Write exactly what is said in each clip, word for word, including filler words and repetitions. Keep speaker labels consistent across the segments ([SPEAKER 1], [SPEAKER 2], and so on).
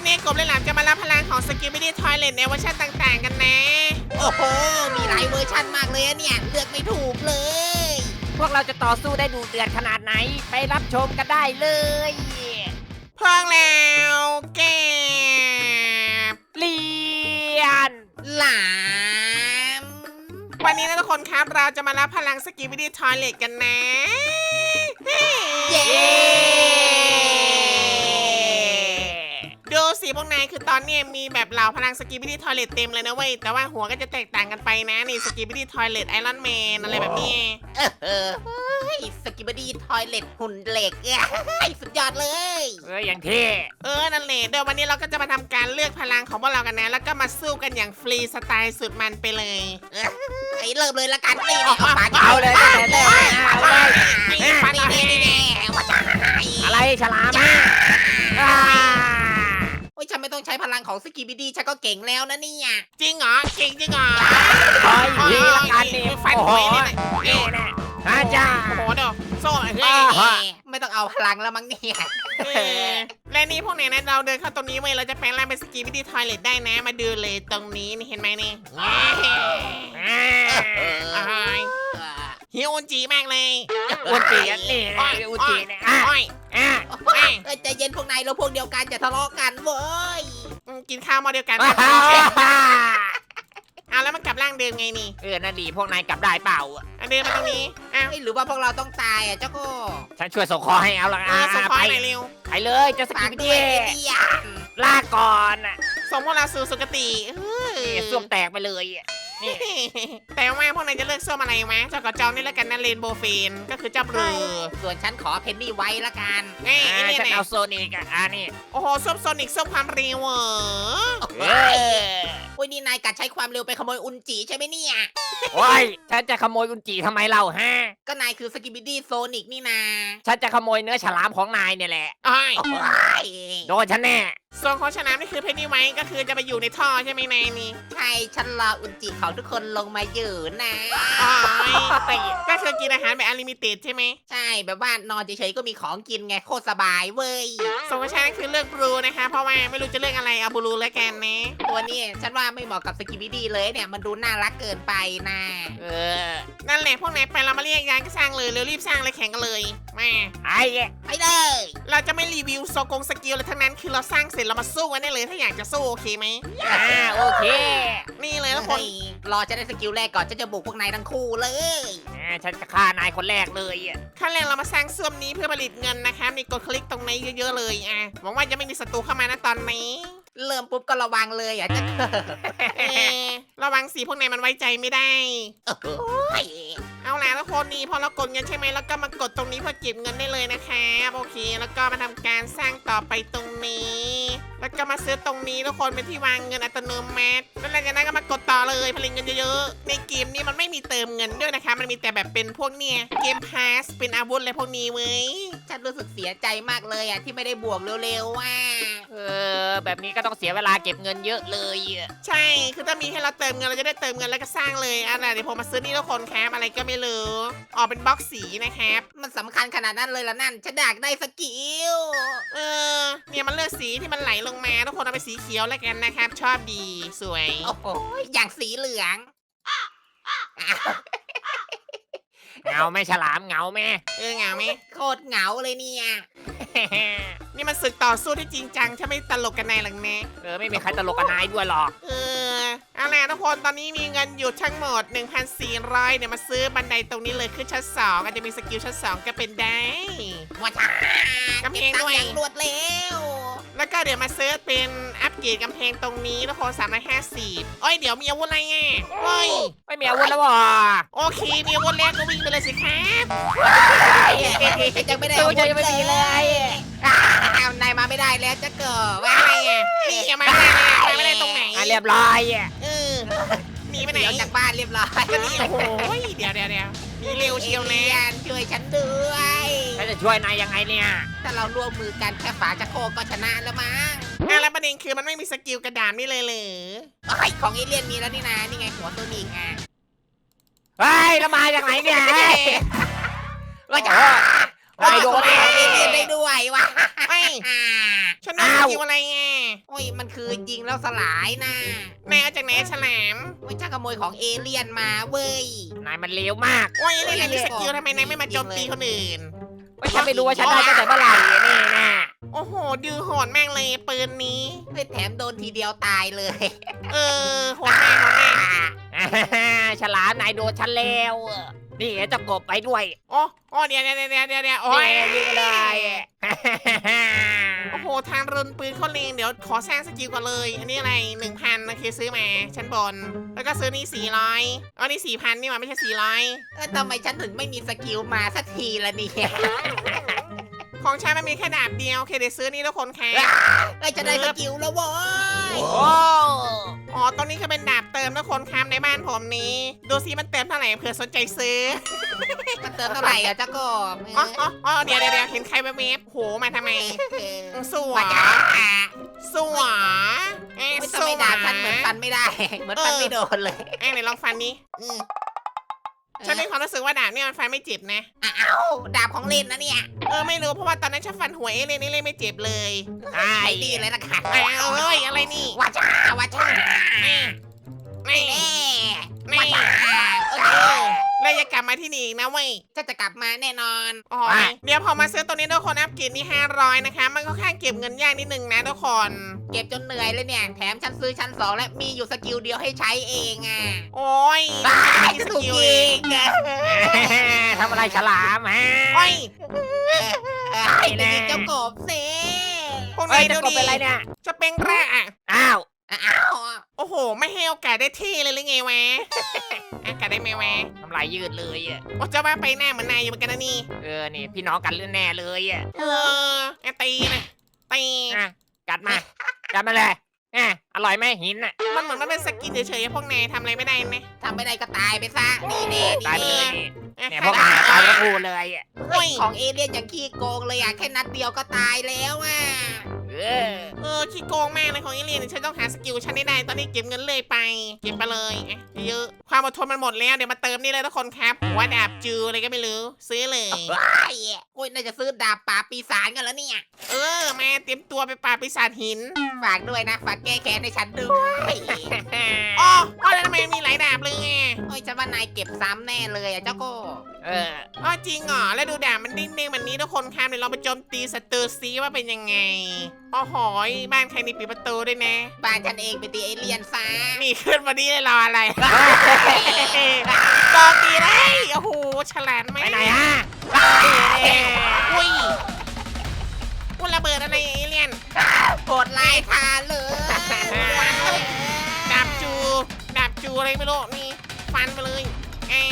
[SPEAKER 1] นี้กบและหลามจะมารับพลังของสกิปปี้ดี้ทอยเลทในเวอร์ชันต่างๆกันนะ
[SPEAKER 2] โอ้โหมีหลายเวอร์ชันมากเลยอะเนี่ยเลือกไม่ถูกเลย
[SPEAKER 3] พวกเราจะต่อสู้ได้ดูเดือดขนาดไหนไปรับชมกันได้เลย
[SPEAKER 1] พร้อมแล้วเก็บ
[SPEAKER 3] เลียน
[SPEAKER 2] หลาม
[SPEAKER 1] วันนี้นะทุกคนครับเราจะมารับพลังสกิปปี้ดี้ทอยเลทกันนะ
[SPEAKER 2] เย้
[SPEAKER 1] ดูสิพวกนายคือตอนนี้มีแบบเหล่าพลังสกิปปี้ดี้ทอยเลทเต็มเลยนะเว้ยแต่ว่าหัวก็จะแตกต่างกันไปนะนี่สกิปปี้ดี้ทอยเลทไอรอนแมนอะไรแบบนี้
[SPEAKER 2] เออเออเฮ้ยสกิบดี้ทอยเล็ตหุ่นเหล็กอะไอ้สุดยอดเลย
[SPEAKER 3] เอออย่างเท่
[SPEAKER 1] เออนั่นแหละเดี๋ยววันนี้เราก็จะมาทำการเลือกพลังของพวกเรากันนะแล้วก็มาสู้กันอย่างฟรีสไตล์สุดมันไปเลย
[SPEAKER 2] เออไอ้เริ่มเลยละกันนี่เอาปาก
[SPEAKER 3] เอาเลยตั้งแต่แรกเอาเลย
[SPEAKER 2] นี่ฟันนี่นี่นี่ว่าจะ
[SPEAKER 3] อะไรฉลามอ่ะอ่า
[SPEAKER 2] โอ้ยฉันไม่ต้องใช้พลังของสกิบดี้ฉันก็เก่งแล้วนะเนี่ย
[SPEAKER 1] จริงเหรอเก่งจริงเหรอ
[SPEAKER 3] คอยทีละกันนี่
[SPEAKER 1] ฟัน
[SPEAKER 3] โอ้
[SPEAKER 1] ห
[SPEAKER 3] โห
[SPEAKER 1] วยนี่นะ
[SPEAKER 3] นี่แน่อาจารย์
[SPEAKER 1] โอ้โหเดี๋ยวโซ่เฮ้
[SPEAKER 3] อ่า
[SPEAKER 1] ย
[SPEAKER 3] ฮะ
[SPEAKER 2] ไม่ต้องเอาพลังแล้วมั้งเนี่ย
[SPEAKER 1] เออและนี่พวกไหนนะเราเดินเข้าตรงนี้เว้ยเราจะแปลงร่างเป็นสกีวิดีทอยเลทได้นะมาดูเลยตรงนี้นี่เห็นไหมนี่
[SPEAKER 3] อ่า
[SPEAKER 1] อ้ายฮิวอุนจีมากเลย
[SPEAKER 3] อุจิอันนี่นะอุจิเนี่ยอ่ะ
[SPEAKER 1] อ้อย
[SPEAKER 3] อ่ะ
[SPEAKER 1] อ้อย
[SPEAKER 2] เอ้ยใจเย็นพวกนายเราพวกเดียวกันจะทะเลาะกันเว้ย
[SPEAKER 1] อืมกินข้าวหมาเดียวกัน
[SPEAKER 3] อ่า
[SPEAKER 1] เอาแล้วมันกลับร่างเดิมไงนี่
[SPEAKER 3] เออนั่นดีพวกนายกลับได้เปล่า
[SPEAKER 1] เอาเดินมาตรงนี้อ้าว
[SPEAKER 2] เอ้ยหรือว่าพวกเราต้องตายอ่ะเจ้าก็
[SPEAKER 3] ฉันช่วยส่งคอให้เอาละ
[SPEAKER 1] เออส่งคอ
[SPEAKER 3] ไป
[SPEAKER 1] หน่อยเร็ว
[SPEAKER 3] ไปเลยเจะส
[SPEAKER 2] ฝา
[SPEAKER 3] กิ
[SPEAKER 2] ก
[SPEAKER 3] ป
[SPEAKER 2] ด้
[SPEAKER 3] ดี้
[SPEAKER 2] วยไอ้เดีย
[SPEAKER 3] ลาก่อนอ่ะ
[SPEAKER 1] ส่งพวกเราสู่สุคติเฮ้ย
[SPEAKER 3] นี่ส้วมแตกไปเลยอ่ะนี่
[SPEAKER 1] แต่ว่าพวกนายจะเลือกส้มอะไรวะเจ้ากับจองนี่แล้วกันนะเรนโบว์เฟนก็คือเจ้าบลู
[SPEAKER 2] ส่วนฉันขอเพนนี่ไว้ละกัน
[SPEAKER 1] ไอ้ไอ้
[SPEAKER 3] อ่า
[SPEAKER 1] เนี่ย
[SPEAKER 3] ฉัน
[SPEAKER 1] นะ
[SPEAKER 3] เอาโซนิกอ่ะอ่านี่
[SPEAKER 1] โอ้โหส้มโซนิกส้มความเร็วเหรอ
[SPEAKER 3] เออ
[SPEAKER 2] โอ้ยนี่นายกัดใช้ความเร็วไปขโมยอุนจิใช่ไหมเนี่ย
[SPEAKER 3] โอ้ยฉันจะขโมยอุนจิทำไมเล่าฮะ
[SPEAKER 2] ก็นายคือสกิบิดี้โซนิกนี่นา
[SPEAKER 3] ฉันจะขโมยเนื้อฉลามของนายเนี่ยแหละ
[SPEAKER 1] อ้อย
[SPEAKER 2] โอ้ย
[SPEAKER 3] โดนฉันแน่
[SPEAKER 1] ส่วนของชนะนี่คือเพนนีไว้ก็คือจะไปอยู่ในท่อใช่ไหมนายนี่
[SPEAKER 2] ใช่ฉันรออุนจิของทุกคนลงมาอยู่นะ
[SPEAKER 1] อ้อยก็คือกินอาหารแบบอลิมิเต็ดใช่ไหม
[SPEAKER 2] ใช่แบบว่านอนเฉยๆก็มีของกินไงโคตรสบายเว้ย
[SPEAKER 1] ส่วนของชนะคือเลือกบลูนะคะเพราะว่าไม่รู้จะเลือกอะไรเอาบลูแล้วกันนะ
[SPEAKER 2] ตัวนี้ฉันว่าไม่เหมาะกับสกิบิดี้เลยเนี่ยมันดูน่ารักเกินไปนะ
[SPEAKER 3] เออ
[SPEAKER 1] นั่นแหละพวกนายไปเรามาเรียกยานก็สร้างเลยเร็วรีบสร้างเลยแข่งกันเลยมา
[SPEAKER 3] ไอ้
[SPEAKER 2] ไปเลย
[SPEAKER 1] เราจะไม่รีวิวโซกงสกิลเลยทั้งนั้นคือเราสร้างเสร็จเรามาสู้กันได้เลยถ้าอยากจะสู้โอเคไหม
[SPEAKER 3] อ่าโอเค
[SPEAKER 1] นี่เลยทุกคน
[SPEAKER 2] เฮ้ยรอจะได้สกิลแรกก่อนฉันจะบุกพวกนายทั้งคู่เลย
[SPEAKER 3] อ่าฉันจะฆ่านายคนแรกเลยอ่ะ
[SPEAKER 1] ขั้นแรกเรามาสร้างเสื่อมนี้เพื่อผลิตเงินนะคะมีกดคลิกตรงนี้เยอะๆเลยอ่ะหวังว่าจะไม่มีศัตรูเข้ามานะตอนนี้
[SPEAKER 2] เริ่มปุ๊บก็ระวังเลยอ่ะจะ
[SPEAKER 1] เออระวังสีพวกนายมันไว้ใจไม่ได้
[SPEAKER 2] โอ้ย
[SPEAKER 1] เอาล่ะทุกคนนี่พอเรากดเงินใช่ไหมแล้วก็มากดตรงนี้เพื่อเก็บเงินได้เลยนะครับโอเค แล้วก็มาทำการสร้างต่อไปตรงนี้ แล้วก็มาซื้อตรงนี้ทุกคนเป็นที่วางเงินอัตโนมัติแล้วหลังจากนั้นก็มากดต่อเลยผลิตเงินเยอะๆในเกมนี้มันไม่มีเติมเงินด้วยนะคะมันมีแต่แบบเป็นพวกเนี่ยเกมพาสเป็นอาวุธอะไรพวกนี้เว้ย
[SPEAKER 2] ฉันรู้สึกเสียใจมากเลยอ่ะที่ไม่ได้บวกเร็วๆว่ะ
[SPEAKER 3] เออแบบนี้ก็ต้องเสียเวลาเก็บเงินเยอะเลยอะ
[SPEAKER 1] ใช่คือถ้ามีให้เราเติมเงินเราจะได้เติมเงินแล้วก็สร้างเลยอ่ะเดี๋ยวผมมาซื้อนี่ทุกคนครับอะไรก็ไม่รู้ออกเป็นบล็อกสีนะครับ
[SPEAKER 2] มันสำคัญขนาดนั้นเลยละนั่นฉันอยากได้สกิล
[SPEAKER 1] เออเนี่ยมันเลือกสีที่มันไหลลงมาทุกคนเอาไปสีเขียวแล้วกันนะครับ ชอบดีสวย
[SPEAKER 2] โอ้โหอย่างสีเหลือง
[SPEAKER 3] เหงาไหม่ฉลามเหงาไหม
[SPEAKER 1] เออเหงาไหม
[SPEAKER 2] โคตรเหงาเลยเนี่ย
[SPEAKER 1] นี่มันศึกต่อสู้ที่จริงจังถ้าไม่ตลกกันในหลังนะ
[SPEAKER 3] เออไม่มีใครตลกกับนายด้วยหรอก
[SPEAKER 1] เออเอาล่ะทุกคนตอนนี้มีเงินอยู่ทั้งหมด หนึ่งพันสี่ร้อย เนี่ยมาซื้อบันไดตรงนี้เลยขึ้นชั้นสองอาจจะมีสกิลชั้นสองก็เป็นได้
[SPEAKER 2] ว่าช้าก
[SPEAKER 1] ำแพงด้วย
[SPEAKER 2] เก็บตัค์อย่างรวดเร็ว
[SPEAKER 1] แล้วก็เดี๋ยวมาซื้อเป็นอัปเกรดกำแพงตรงนี้ทุกคนสามร้อยห้าสิบเอ้ยเดี๋ยวมีอาวุธอะไรอ่ะเฮ้ย
[SPEAKER 3] ไม่มีอาวุธแล้ววะ
[SPEAKER 1] โอเคมีอาวุธแล้วก็วิ่งไปเลยสิครับ
[SPEAKER 2] ยังไม่ได้
[SPEAKER 3] ตัวจะยังไม่มีเลย
[SPEAKER 2] อ้าวนายมาไม่ได้แล้วจะเกิด
[SPEAKER 1] ว่าอะไรอ่ะนี่ยังมาไม่ได้เลยมาไม่ได้ตรงไหน
[SPEAKER 3] อ่ะเรียบร้อยอ่ะ
[SPEAKER 1] เออหนีไปไหน
[SPEAKER 2] เดี๋ยวจากบ้านเรียบร้อย
[SPEAKER 1] ก็นี่โอ้โหเดี๋ยวเดี๋ยวเดี๋ยวหนีเร็วเชียวนะ
[SPEAKER 2] เอเลี่ยนช่วยฉันด้วย
[SPEAKER 3] ฉันจะช่วยนายยังไงเนี่ย
[SPEAKER 2] ถ้าเราร่วมมือกันแค่ฝาจะโครกก็ชนะแล้วมั้ง
[SPEAKER 1] อ่ะแล้วประเด็นคือมันไม่มีสกิลกระดานนี่เลยเหรอ
[SPEAKER 2] ไอ้ยของเอเลี่ยนมีแล้วนี่นะนี่ไงหัวตัวนิงอ่ะ
[SPEAKER 3] เฮ้ยแล้วมาจากไหนเนี่ยเฮ้ย
[SPEAKER 2] ว่าจะโอ้ย
[SPEAKER 3] นายโด
[SPEAKER 2] โด
[SPEAKER 3] น
[SPEAKER 2] น
[SPEAKER 3] แน่
[SPEAKER 2] เอเลี่ยนได้ด้วยวะ
[SPEAKER 1] ไอ้ย
[SPEAKER 2] อ่า
[SPEAKER 1] ฉันโดนสกิลอะไรไง
[SPEAKER 2] โอ้ยมันคือยิงแล้วสลายนะ
[SPEAKER 1] นายเอาจากไหนฉลาม
[SPEAKER 2] โอ้ยช่างขโมยของเอเลี่ยนมาเว้ย
[SPEAKER 3] นายมันเลวมาก
[SPEAKER 1] โอ้ยนี่แหละมีสกิลทำไมนายไม่มาโจมตีคนอื่น
[SPEAKER 3] ว่าฉันไม่รู้ว่าฉันได้ตั้งแต่เมื่อไหร่อะนี่นะ
[SPEAKER 1] โอ้โหดื้อโหดแม่งเลยปืนนี้
[SPEAKER 2] เฮ้ยแถมโดนทีเดียวตายเลย
[SPEAKER 1] เออโหดแม่งโหดแม่ง
[SPEAKER 3] อ่าฮ่าฉลามนายโดนฉันแล้วนี่เจะกบไปด้วย
[SPEAKER 1] โอ้โอ้เดี๋ยวเดี๋ยวเดี๋ยวเดี๋ยวเดี๋ยวโอ้ย
[SPEAKER 3] นี่ยิงเลยฮ่าฮ่าฮ่า
[SPEAKER 1] โอ้โหทางรุนปืนเขาเลงเดี๋ยวขอสร้างสกิลก่อนเลย อันนี้อะไรหนึ่งพันโอเคซื้อมาชั้นบน แล้วก็ซื้อนี่สี่ร้อยอ๋อนี่สี่พันนี่หว่าไม่ใช่สี่ร้อย
[SPEAKER 2] เออทำไมฉันถึงไม่มีสกิลมาสักทีละเนี่ย
[SPEAKER 1] ของฉันมันมีแค่ดาบเดียวโอเคเดี๋ยวซื้อนี่ทุกคนค่ะ
[SPEAKER 2] เอ้ยจะได้สกิลแล้วโว้ย
[SPEAKER 3] โอ้
[SPEAKER 1] อ๋อตรงนี้คือเป็นดาบเติมทุกคนครับในบ้านผมนี้ ดูซิมันเติมเท่าไหร่เผื่อสนใจซื้อ
[SPEAKER 2] มันเติมเท่าไหร่อะเจ้ากบ
[SPEAKER 1] อ๋ออ๋ออ๋อเดี๋ยวเดี๋ยวเดี๋ยวเห็นใครแวบๆโหมาทำไม
[SPEAKER 2] เออ
[SPEAKER 1] สว
[SPEAKER 2] มาย จ้า
[SPEAKER 1] สวยเอ๊ะ
[SPEAKER 2] ไม่
[SPEAKER 1] ส
[SPEAKER 2] ทำ
[SPEAKER 1] ว
[SPEAKER 2] ไม
[SPEAKER 1] ย
[SPEAKER 2] ดาบฉันเหมือนฟันไม่ได้ เหมือนฟันไม่โดนเลย
[SPEAKER 1] เอ๊ะไหนลองฟันนี้
[SPEAKER 2] อืม
[SPEAKER 1] ฉันมีความรู้สึกว่าดาบเนี่ยมันฟันไม่เจ็บนะ
[SPEAKER 2] อ้าวดาบของเล่นนะเนี่ย
[SPEAKER 1] เออไม่รู้เพราะว่าตอนนั้นฉันฟันหัวเอเลยนี่เลยไม่เจ็บเลย
[SPEAKER 3] ใช่
[SPEAKER 2] ไอ้นี่เลยนะคะ
[SPEAKER 1] อ้าวเอ้ยอะไรนี่
[SPEAKER 2] ว่าจ้าว่าจ้า
[SPEAKER 1] นี่นี่
[SPEAKER 2] แน่
[SPEAKER 1] นี่
[SPEAKER 2] ว่าจ้าโอ
[SPEAKER 1] เอ
[SPEAKER 2] เค
[SPEAKER 1] อแล้วอย่ากลับมาที่นี่อีกนะเว้ย
[SPEAKER 2] ฉันจะกลับมาแน่นอน
[SPEAKER 1] อ๋อเดี๋ยวพอมาซื้อตัวนี้ทุกคนอัพเกรดนี่ห้าร้อยนะคะ มันก็ค่อนข้างเก็บเงินยากนิดนึงนะทุกคน
[SPEAKER 2] เก็บจนเหนื่อยเลยเนี่ย แถมฉันซื้อชั้นสองและมีอยู่สกิลเดียวให้ใช้เองอ่ะ
[SPEAKER 1] โอ้ย
[SPEAKER 2] บ้า
[SPEAKER 1] มี
[SPEAKER 2] จะ
[SPEAKER 1] ส
[SPEAKER 2] ถูก
[SPEAKER 1] กิล
[SPEAKER 2] ยิ
[SPEAKER 1] เอง
[SPEAKER 2] งอะ
[SPEAKER 3] ทำอะไรฉลามฮะ
[SPEAKER 1] โอ้ย
[SPEAKER 2] ไอ้จะยิงเจ้ากบเซ่
[SPEAKER 1] พวก
[SPEAKER 3] เฮ้
[SPEAKER 1] นาย ย
[SPEAKER 3] เจะ
[SPEAKER 1] ดู
[SPEAKER 3] กบ
[SPEAKER 1] ดิ
[SPEAKER 3] เป็นไรเนี่ย
[SPEAKER 1] จะเป็นแร่อะ
[SPEAKER 3] อ้าว
[SPEAKER 2] อ้าว
[SPEAKER 1] โอ้โห ไม่ให้โอกาสได้ที่เลยหรือไงวะอากาศได้ไหมวะ
[SPEAKER 3] ทำลายยืดเลยอะ
[SPEAKER 1] โอ้เจะว่าไปหน้าเหมือนนายอยู่เหมือนกันนะนี่
[SPEAKER 3] เออนี่พี่น้องกันเรื่องแน่เลยอะ
[SPEAKER 1] เออไอ้ตีนะตี
[SPEAKER 3] อ่ะกัดมากัดมาเลยอ่ะอร่อยไหมหินอ่ะ
[SPEAKER 1] มันเหมือนมันเป็นสกินเฉยๆพวกนายทำอะไรไม่ได้นะ
[SPEAKER 2] ทำไม่ได้ก็ตายไปซะ นี่เน่
[SPEAKER 3] ตายไป
[SPEAKER 2] นี่
[SPEAKER 3] เลยนี่
[SPEAKER 1] อ่ะ
[SPEAKER 3] เนี่ย
[SPEAKER 1] ใค
[SPEAKER 3] พ
[SPEAKER 1] ร
[SPEAKER 3] วก
[SPEAKER 1] ได้
[SPEAKER 3] นายตายทั้งคู่เลยอะ
[SPEAKER 2] เฮ้ยของเอเลี่ยนอย่างขี้โกงเลยอ่ะ แค่นัดเดียวก็ตายแล้วอ่ะ
[SPEAKER 3] เออ
[SPEAKER 1] เออขี้โกงมากเลยของเอเลียนฉันต้องหาสกิลฉันให้ได้ตอนนี้เก็บเงินเลยไป เก็บไปเลยอ่ะเยอะความอดทนมันหมดแล้วเดี๋ยวมาเติมนี่เลยทุกคนครับหัวดาบจูอะไรก็ไม่รู้ซื้อเลย
[SPEAKER 2] ว้ายโอ้ยน่าจะซื้อดาบป่าบปีศาจกันแล้วเนี่ย
[SPEAKER 1] เออมาเตรียมตัวไปปราบปีศาจหิน
[SPEAKER 2] ฝากด้วยนะ ฝากแก้แค้นให้ฉันด้วย
[SPEAKER 1] อ๋อว่าแล้วทำไมมีหลายดาบเลยไง
[SPEAKER 2] โอ้ยฉันว่านายเก็บซ้ำแน่เลยอ่ะเจ้าโก้
[SPEAKER 3] เออ
[SPEAKER 1] อ๋อจริงเหรอแล้วดูดาบมันดิ้นๆแบบนี้ทุกคนครับเดี๋ยวเราไปโจมตีศัตรูซีว่าเป็นยังไงอ๋อหอยบ้านใครนี่ปิดประตูด้วยนะ
[SPEAKER 2] บ้านฉันเองไปตีเอเลี่ยนซะ
[SPEAKER 1] นี่ขึ้นมาดีเลยรออะไรโจมตีได้โอ้โหฉลาดไหม
[SPEAKER 3] ไปไหนฮะ
[SPEAKER 1] อุ้ยอุ้ยระเบิดอะไรเอเลี่ยน
[SPEAKER 2] โหดลายทาเลย
[SPEAKER 1] ดาบจูดาบจูอะไรไม่รู้นี่ฟันไปเลยแอะ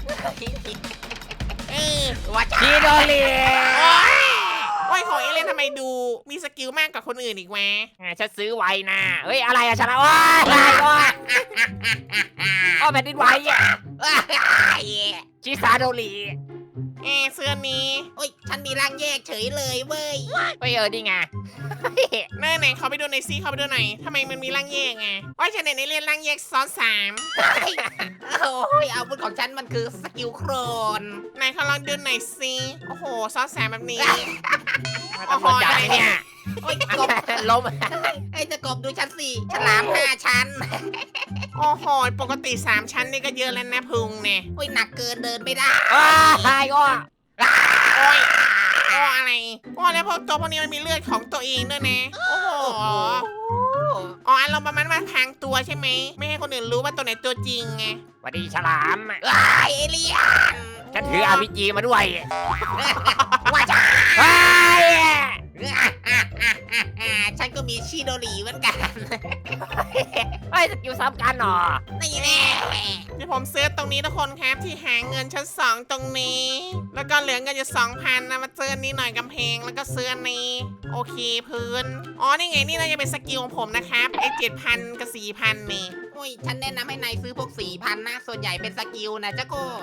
[SPEAKER 1] เออ
[SPEAKER 2] ว่าจ้า
[SPEAKER 3] ชีโดเรีย
[SPEAKER 1] โอ้ยโอ้ยของเอเลี่ยนทำไมดูมีสกิลมากกว่าคนอื่นอีกวะ
[SPEAKER 3] อ่ะฉันซื้อไว้นะเฮ้ยอะไรอะฉันอะว้ายอะไรวะอ๋อแผ่นดินไหวอะชิซาโดรี
[SPEAKER 1] เอะเสื้อนี้
[SPEAKER 2] โอ้ยฉันมีร่างแยกเฉยเลยเว้ย
[SPEAKER 3] เฮ้ยเออดีไง
[SPEAKER 1] หน้าไหนเขาไปดูในอยซีเขาไปดูหน่อยทำไมมันมีร่างแยกไงโอ้ยฉันเห็นในเรียนร่างแยกซ้อนสาม
[SPEAKER 2] โอ้ยอาวุธของฉันมันคือสกิลโครน
[SPEAKER 1] ไหนเขาลองดูหน่อยซิโอ้โหซ้อนสามแบบนี้
[SPEAKER 3] ตำรวจจับไหมเนี่ย
[SPEAKER 2] โอ้ยกบ
[SPEAKER 3] ล้ม
[SPEAKER 2] ไอ้จะกบดูชั้นสี่ฉลามห้าชั้น
[SPEAKER 1] โอ้โหปกติสามชั้นนี่ก็เยอะแล้วนะพุงเนี่ย
[SPEAKER 2] โอ้ยหนักเกินเดินไม่ได้
[SPEAKER 3] ว้ายก็
[SPEAKER 1] โอ้ยโอ้อะไรโอ้แล้วพวกตัวพวกนี้มันมีเลือดของตัวเองด้วยนะโอ้โหอ๋ออารมณ์ประมาณว่าพรางตัวใช่ไหมไม่ให้คนอื่นรู้ว่าตัวไหนตัวจริงไง
[SPEAKER 3] สวัสดีฉลาม
[SPEAKER 2] ว้ายเอเลี่ยน
[SPEAKER 3] ฉันถืออาร์พีจีมาด้วย
[SPEAKER 2] ว่าจ้า
[SPEAKER 3] ว้าย
[SPEAKER 2] ฉันก็มีชิโดรีเหมือนกัน
[SPEAKER 3] เฮ้ยสกิลซ้ำกันเหรอ
[SPEAKER 2] นี่แน่
[SPEAKER 1] เดี๋ยวผมซื้อตรงนี้ทุกคนครับที่หาเงินชั้นสองตรงนี้ แล้วก็เหลือเงินอยู่สองพันนะมาเจออนนี้หน่อยกำแพงแล้วก็ซื้ออันนี้โอเคพื้นอ๋อนี่ไงนี่น่าจะเป็นสกิลของผมนะครับไอ้เจ็ดพันกับสี่พันนี่
[SPEAKER 2] โอ้ยฉันแนะนำให้นายซื้อพวกสี่พันนะส่วนใหญ่เป็นสกิลนะเจ้าโก้
[SPEAKER 3] ท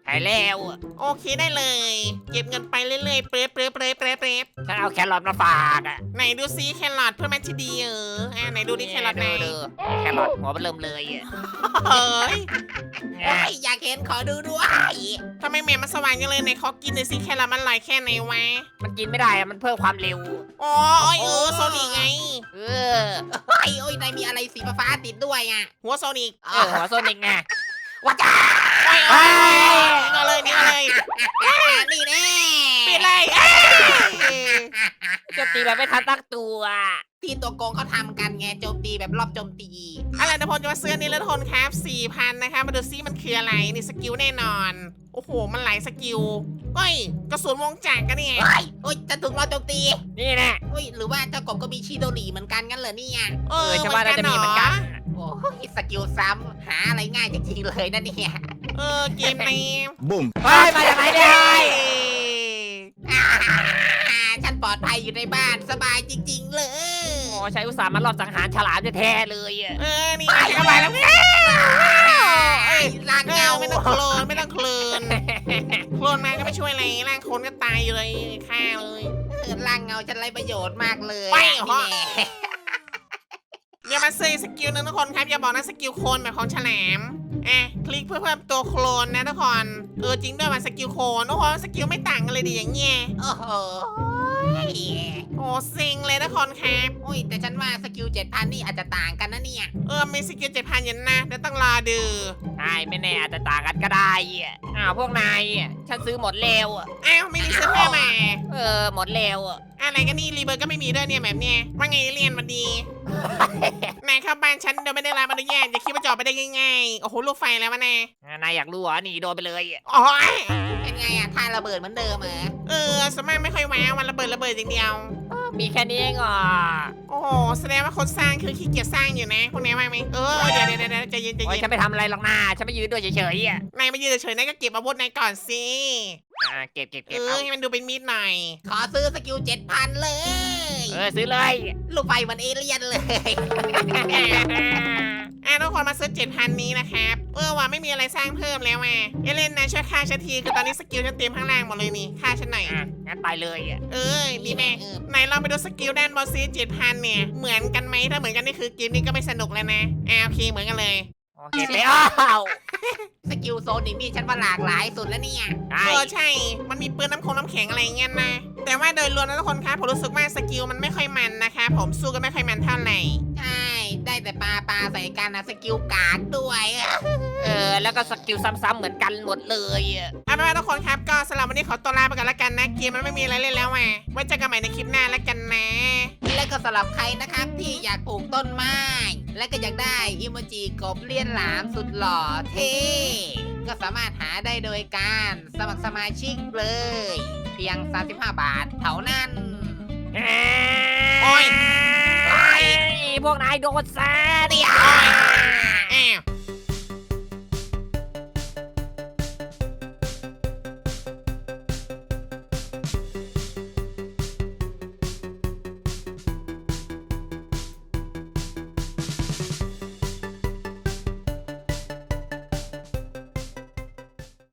[SPEAKER 3] หายแล้ว
[SPEAKER 1] โอเคได้เลย เก็บเงินไปเรื่อยๆเปรย์เปรย์เปรย์เปรย์เปรย์
[SPEAKER 3] ฉันเอาแครอทมาฝากอ่ะ
[SPEAKER 1] ไหนดูซิแครอทเพื่อนแมทที่ดีเอออ่าไหนดูดิแครอทไหน
[SPEAKER 3] ดูดูแครอทหัวมันเริ่มเลยอะ
[SPEAKER 1] เฮ้ย
[SPEAKER 2] โอ้ยอยากเห็นขอดูด้วย
[SPEAKER 1] ทำไมแม่มันสว่างจังเลยในขอกินหน่อยสิแครอทมันอร่อยแค่ไหนวะ
[SPEAKER 3] มันกินไม่ได้อะมันเพิ่มความเร็ว
[SPEAKER 1] อ๋อโอ้ยเออโซนิกไง
[SPEAKER 3] เออ
[SPEAKER 2] โอ้ยโอ้ยนายมีอะไรสีฟ้าๆติดด้วยอ่ะ
[SPEAKER 1] หัวโซนิก
[SPEAKER 3] เออหัวโซนิกไง
[SPEAKER 2] ว้าจ้า
[SPEAKER 1] โอ้ยโอ้ยนี่ก็เลยนี่ก็เลย
[SPEAKER 2] นี่แน่
[SPEAKER 1] ปิดเลยเอ้ย
[SPEAKER 3] โจมตีแบบไม่ทันตั้งตัว
[SPEAKER 2] ที่ตัวโกงเขาทำกันไงโจมตีแบบรอบโจมตี
[SPEAKER 1] อะไรนะพลจะมาซื้ออนนี้แล้วทนครับสี่พันนะคะมาดูซิมันคืออะไรนี่สกิลแน่นอน โอ้โหมันหลายสกิลเฮ้ยกระสุนวงจักรกันนี่
[SPEAKER 2] โอ้ยโอ้ยจะถูกรอบโจมตี
[SPEAKER 3] นี่แน่
[SPEAKER 2] โอ้ยหรือว่าเจ้ากบก็มีชิโดรีเหมือนกันงั้นเหรอเนี่ย
[SPEAKER 1] เอ
[SPEAKER 3] เอ
[SPEAKER 1] อ
[SPEAKER 3] อฉันว่าน่าจะมีเหมือนกัน
[SPEAKER 2] โอ้ยสกิลซ้ำหาอะไรง่ายจริงๆเลยนะเนี่ย
[SPEAKER 1] เออเกมนี้
[SPEAKER 4] Boom.
[SPEAKER 3] เฮ้ยมาจากไหนเนี่ย
[SPEAKER 2] อ่าฉันปลอดภัยอยู่ในบ้านสบายจริง ๆ เลย
[SPEAKER 3] โอ้ใช้อุตสาห์มารอบสังหารฉลามแท้ๆเลยอะ
[SPEAKER 1] เออนี่เข้าไปแล้วเอ้ย
[SPEAKER 2] ล่าง
[SPEAKER 1] เงา
[SPEAKER 2] เงา
[SPEAKER 1] ไม่ต้องโคลนไม่ต้องโคลนโคลนมาก็ไม่ช่วยอะไรร่างคนก็ตายอยู่เลยฆ่าเลย
[SPEAKER 2] เออล่างเงาฉันไรประโยชน์มากเลย
[SPEAKER 1] ไป
[SPEAKER 2] อะ
[SPEAKER 1] เหรอ
[SPEAKER 2] นี่แน่
[SPEAKER 1] อย่ามาซื้อสกิลหนึงทุกคนครับอย่าบอกนะสกิลโคลนแบบของฉลามอ่ะคลิกเพื่อเพิ่มตัวโคลนนะทุกคนเออจริงด้วยมันสกิลโคลนโอ้โหสกิลไม่ต่างกันเลยดิอย่างเงี้ย
[SPEAKER 2] โอ้โห
[SPEAKER 1] โอ้เซ็งเลยทุกคนครับ
[SPEAKER 2] โอ้ยแต่ฉันว่าสกิลเจ็ดพันนี่อาจจะต่างกันนะเนี่ย
[SPEAKER 1] เออมีสกิลเจ็ดพันยันนะเดี๋ยวต้องรอดู
[SPEAKER 3] ใช่ไม่แน่อาจจะต่างกันก็ได้อะอ้าวพวกนายอะฉันซื้อหมดแล้วอะ
[SPEAKER 1] อ้าวไม่มีซื้อเพิ่มมา
[SPEAKER 3] เออหมดแล้วอะ
[SPEAKER 1] อะไรกันนี่รีเบิร์ดก็ไม่มีด้วยเนี่ยแบบเนี้ยว่าไงเรียนมาดีนายเข้าบ้านฉันโดยไม่ได้รับอนุญาตอย่าคิดว่าจะออกไปได้ง่ายๆโอ้โหลูกไฟแล้ววะแน่
[SPEAKER 3] นายอยากรู้เหรอหนีโดนไปเลยอะ
[SPEAKER 1] อ๋อ
[SPEAKER 2] เป็นไงอะท่าระเบิดเหมือนเดิมเหรอ
[SPEAKER 1] เออสวนมัยไม่ค่อยแววมันระเบิดระเบิดอย่างเดียว
[SPEAKER 3] มีแค่นี้เองเหรอ
[SPEAKER 1] โอ้โหแสดงว่าคนสร้างคือขี้เกียจสร้างอยู่นะพวกนี้ว่าไหมเออเดี๋ยวเดี๋ยวเดี๋ยวใจเย็นใจ
[SPEAKER 3] โอ้ย
[SPEAKER 1] เย็น
[SPEAKER 3] ฉันไม่ทำอะไรหรอกนะฉันไม่ยืนด้วยเฉยๆอ่ะ
[SPEAKER 1] นายมายืนเฉยๆนายก็เก็บอาวุธนายก่อนสิ
[SPEAKER 3] อ่าเก็บเก็บ
[SPEAKER 1] เอ
[SPEAKER 3] เก็บ
[SPEAKER 1] อ
[SPEAKER 3] เอา
[SPEAKER 1] ให้มันดูเป็นมีดหน่อย
[SPEAKER 2] ขอซื้อสกิลเจ็ดพันเลย
[SPEAKER 3] เออซื้อเลย
[SPEAKER 2] ลูกไฟเหมันเอเลี่ยนเลย
[SPEAKER 1] อ่ะทุกคนมาซื้อเจ็ดพันนี้นะครับเออว่าไม่มีอะไรสร้างเพิ่มแล้วอ่ะเอเลนนายช่วยฆ่าฉันทีคือตอนนี้สกิลฉันเต็มข้างล่างหมดเลยนี่ฆ่าฉันหน่อย
[SPEAKER 3] อ่ะงั้นไปเลยอ่ะ
[SPEAKER 1] เออดีแม่
[SPEAKER 2] เออ
[SPEAKER 1] ไหนลองไปดูสกิลด้านบนซีเจ็ดพันเนี่ย เหมือนกันไหมถ้าเหมือนกันนี่คือเกมนี้ก็ไม่สนุกแล้วนะอ่าโอเคเหมือนกันเลย
[SPEAKER 3] โอเคไปอ้าว
[SPEAKER 2] สกิลโซนิกนี่ฉันว่าหลากหลายสุดแล้วเนี่ย
[SPEAKER 3] ใช่
[SPEAKER 1] เออใช่ มันมีปืนน้ำคงน้ำแข็งอะไรอย่างเงี้ยนะ แต่ว่าโดยรวมนะทุกคนครับผมรู้สึกว่าสกิลมันไม่ค่อยมันนะคะผมสู้กันไม่ค่อยมันเท่าไหร่
[SPEAKER 2] ใช่ ได้แต่ปลาปลาใส่กันนะสกิลกากด้วย
[SPEAKER 3] เออแล้วก็สกิลซ้ำๆเหมือนกันหมดเลยอ่ะ
[SPEAKER 1] เอาเป็นว่าทุกคนครับก็สำหรับวันนี้ขอตัวลาไปก่อนละกันนะเกมมันไม่มีอะไรเล่นแล้วอ่ะไว้เจอกันใหม่ในคลิปหน้าละกันนะ
[SPEAKER 2] และก็สำหรับใครนะครับที่อยากปลูกต้นไม้ และก็อยากได้อิโมจิกบเลียนหลามสุดหล่อเท่ก็สามารถหาได้โดยการสมัครสมาชิกเลย เพียง สามสิบห้า บาทเท่านั้น
[SPEAKER 1] โอ้ย
[SPEAKER 3] โอ้ยพวกนายโดนซะเนี่ย
[SPEAKER 1] อ้าว